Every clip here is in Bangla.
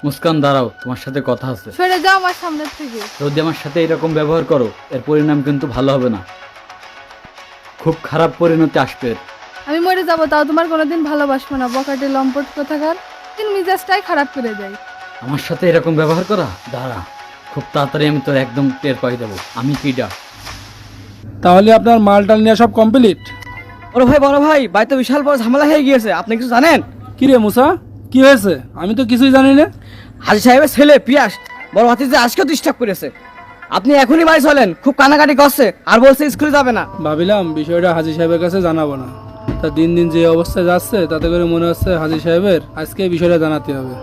মুস্কান দাঁড়াও, তোমার সাথে কথা আছে। সরে যাও আমার সামনে থেকে। যদি আমার সাথে এরকম ব্যবহার করো এর পরিণাম কিন্তু ভালো হবে না, খুব খারাপ পরিণতি আসবে এর। আমি মরে যাবো তাও তোমার কোনোদিন ভালোবাসবো না, বকাটে লম্পট কোথাকার। দিন মিজাজটাই খারাপ করে দেয়। আমার সাথে এরকম ব্যবহার করা, দাঁড়া খুব তাড়াতাড়ি আমি তোর একদম টের পাই দেবো আমি কিডা। তাহলে আপনার মালটাল নিয়ে সব কমপ্লিট? বড় ভাই বাড়িতে বিশাল বড় ঝামেলা হয়ে গিয়েছে, আপনি কিছু জানেন? কি রে মুসা, কি হয়েছে? আমি তো কিছুই জানি না। হাজি সাহেবের ছেলে পিয়াস বড় ভাতিজা আজকেও ডিস্টার্ব করেছে। আপনি এখনই বাড়ি চলেন, খুব কানাকাটি করছে আর বলছে স্কুলে যাবে না। ভাবিলাম বিষয়টা হাজি সাহেবের কাছে জানাবো না, তা দিন দিন যে অবস্থায় যাচ্ছে তাতে করে মনে হচ্ছে হাজি সাহেবের আজকে এই বিষয়টা জানাতে হবে।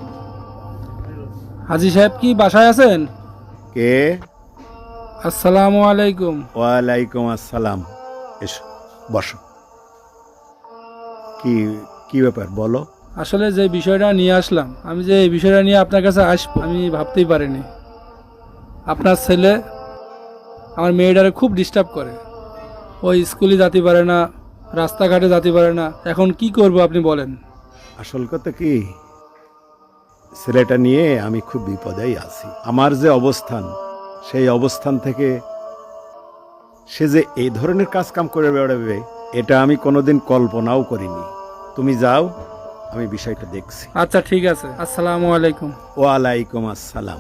হাজি সাহেব কি বাসায় আছেন? কে? আসসালামু আলাইকুম। ওয়ালাইকুম আসসালাম। এসো বসো। কি কি ব্যাপার বলো? আসলে যে বিষয়টা নিয়ে আসলাম, আমি যে এই বিষয়টা নিয়ে আপনার কাছে আসবো আমি ভাবতেই পারিনি। আপনার ছেলে আমার মেয়েটারে খুব ডিস্টার্ব করে, ওই স্কুলে যেতে পারে না, রাস্তাঘাটে যেতে পারে না। এখন কি করব আপনি বলেন। আসল কথা কি, ছেলেটা নিয়ে আমি খুব বিপদেই আছি। আমার যে অবস্থান, সেই অবস্থান থেকে সে যে এই ধরনের কাজ কাম করে বেড়াবে এটা আমি কোনোদিন কল্পনাও করিনি। তুমি যাও, আমি বিষয়টা দেখছি। আচ্ছা ঠিক আছে, আসসালামু আলাইকুম। ওয়ালাইকুম আসসালাম।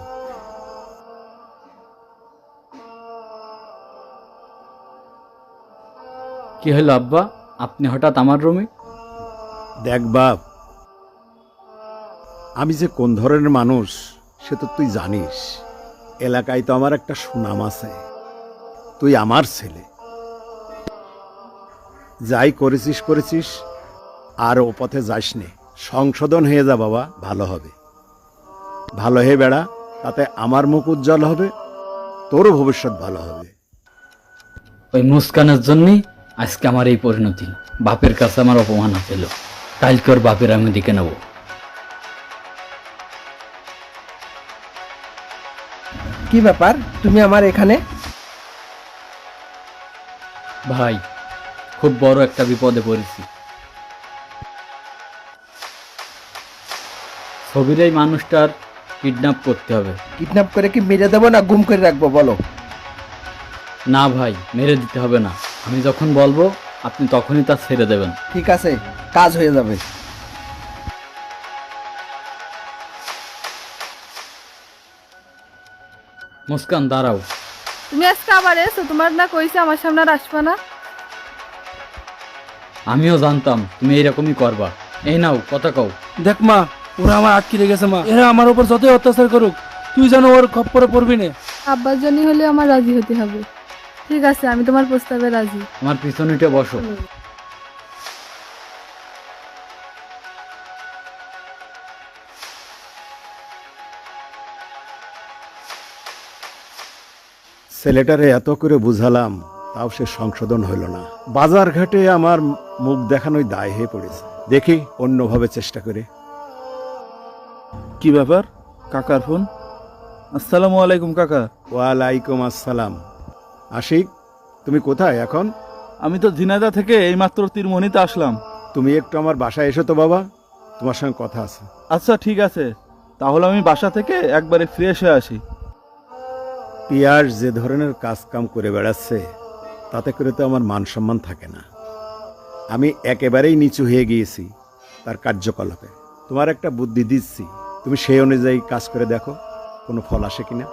কি হলো আব্বা, আপনি হঠাৎ আমার রুমে? দেখ বাপ, আমি যে কোন ধরনের মানুষ সে তো তুই জানিস। এলাকায় তো আমার একটা সুনাম আছে। তুই আমার ছেলে, যাই করেছিস করেছিস, আর ও পথে যাস নে। সংশোধন হয়ে যা বাবা, ভালো হবে। ভালো হয়ে বেড়া, তাতে আমার মুখ উজ্জ্বল হবে, তোরও ভবিষ্যৎ ভালো হবে। ওই মুস্কানের জন্যই আজকে আমার এই পরিণতি। বাপের কাছে আমার অপমান হচ্ছিল, কালকে ওর বাপের আমি দিকে নেব। কি ব্যাপার, তুমি আমার এখানে? ভাই, খুব বড় একটা বিপদে পড়েছি। ছবির এই মানুষটার কিডন্যাপ করতে হবে। কিডন্যাপ করে কি মেরে দেবো না গুম করে রাখবো বলো? না ভাই, মেরে দিতে হবে না, আমি যখন বলবো আপনি তখনই তা ছেড়ে দেবেন। ঠিক আছে, কাজ হয়ে যাবে। মুস্কান দাঁড়াও। তুমি আজকে আবার এসো, তোমার না কইছে আমার সামনে আর আসবা না? আমিও জানতাম তুমি এইরকমই করবা। এই নাও কথা কও। দেখ মা, ওরা আমার আটকে রেখেছে মা, এরা আমার উপর যতই অত্যাচার করুক তুই যেন ওর খপ্পরে পড়বি না। আব্বার জন্য হলে আমার রাজি হতে হবে। ঠিক আছে, আমি তোমার প্রস্তাবে রাজি। আমার পিছনেটা বসো। ছেলেটারে এত করে বুঝালাম, তাও সে সংশোধন হইল না। বাজার ঘাটে আমার মুখ দেখানোই দায় হয়ে পড়েছে। দেখি অন্যভাবে চেষ্টা করে। কি ব্যাপার, কাকার ফোন? আসসালামু আলাইকুম কাকা। ওয়ালাইকুম আসসালাম। আশিক, তুমি কোথায় এখন? আমি তো ঝিনাইদহ থেকে এইমাত্র তীরমণিতে আসলাম। তুমি একটু আমার বাসায় এসো তো বাবা, তোমার সঙ্গে কথা আছে। আচ্ছা ঠিক আছে, তাহলে আমি বাসা থেকে একবারে ফ্রেশ হয়ে আসি। পিয়াস যে ধরনের কাজ কাম করে বেড়াচ্ছে, তাতে করে তো আমার মান সম্মান থাকে না। আমি একেবারেই নিচু হয়ে গিয়েছি তার কার্যকলাপে। তোমার একটা বুদ্ধি দিচ্ছি, তুমি সেই অনুযায়ী কাজ করে দেখো কোনো ফল আসে কিনা।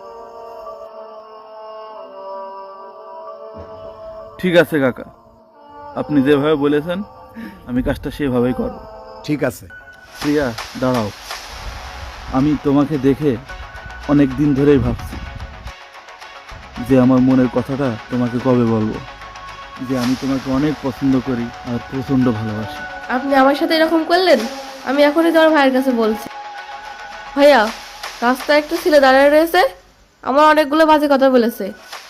ঠিক আছে কাকা, আপনি যেভাবে বলেছেন আমি কাজটা সেভাবেই করব। ঠিক আছে। প্রিয়া দাঁড়াও, আমি তোমাকে দেখে অনেক দিন ধরেই ভাবছি যে আমার মনের কথাটা তোমাকে কবে বলবো, যে আমি তোমাকে অনেক পছন্দ করি আর প্রচণ্ড ভালোবাসি। আপনি আমার সাথে এরকম করলেন? আমি এখনই তোমার ভাইয়ের কাছে বলছি। ভাইয়া, রাস্তায় একটা ছেলে দাঁড়িয়ে রয়েছে, আমার অনেকগুলো বাজে কথা বলেছে।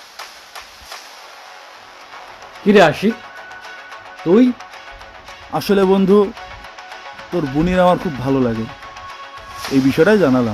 কিরে আশিক, তুই? আসলে বন্ধু, তোর বোনের আমার খুব ভালো লাগে, এই বিষয়টাই জানালাম।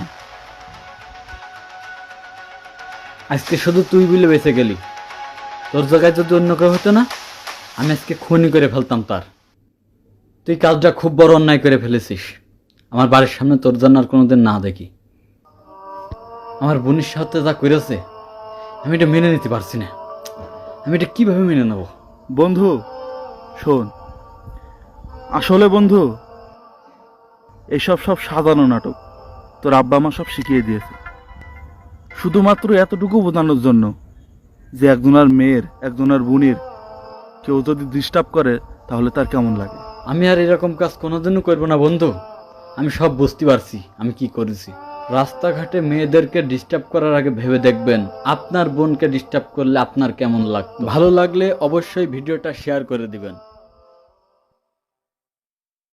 আজকে শুধু তুই বলে বেঁচে গেলি, তোর জায়গায় যদি অন্য কেউ হতো না, আমি আজকে খুনই করে ফেলতাম তার। তুই কাজটা খুব বড় অন্যায় করে ফেলেছিস। আমার বাড়ির সামনে তোর জন্য আর কোনোদিন না দেখি। আমার বোনের সাথে যা করেছে আমি এটা মেনে নিতে পারছি না। আমি এটা কিভাবে মেনে নেব? বন্ধু শোন, আসলে বন্ধু এসব সব সাজানো নাটক। তোর আব্বা আমার সব শিখিয়ে দিয়েছে, শুধুমাত্র এতটুকু বোঝানোর জন্য যে একজনের মেয়ের একজনের বোনের কেউ যদি ডিস্টার্ব করে তাহলে তার কেমন লাগে। আমি আর এরকম কাজ কোনোদিনও করবো না বন্ধু। আমি সব বুঝতে পারছি আমি কি করেছি। রাস্তাঘাটে মেয়েদেরকে ডিস্টার্ব করার আগে ভেবে দেখবেন আপনার বোনকে ডিস্টার্ব করলে আপনার কেমন লাগতো। ভালো লাগলে অবশ্যই ভিডিওটা শেয়ার করে দিবেন।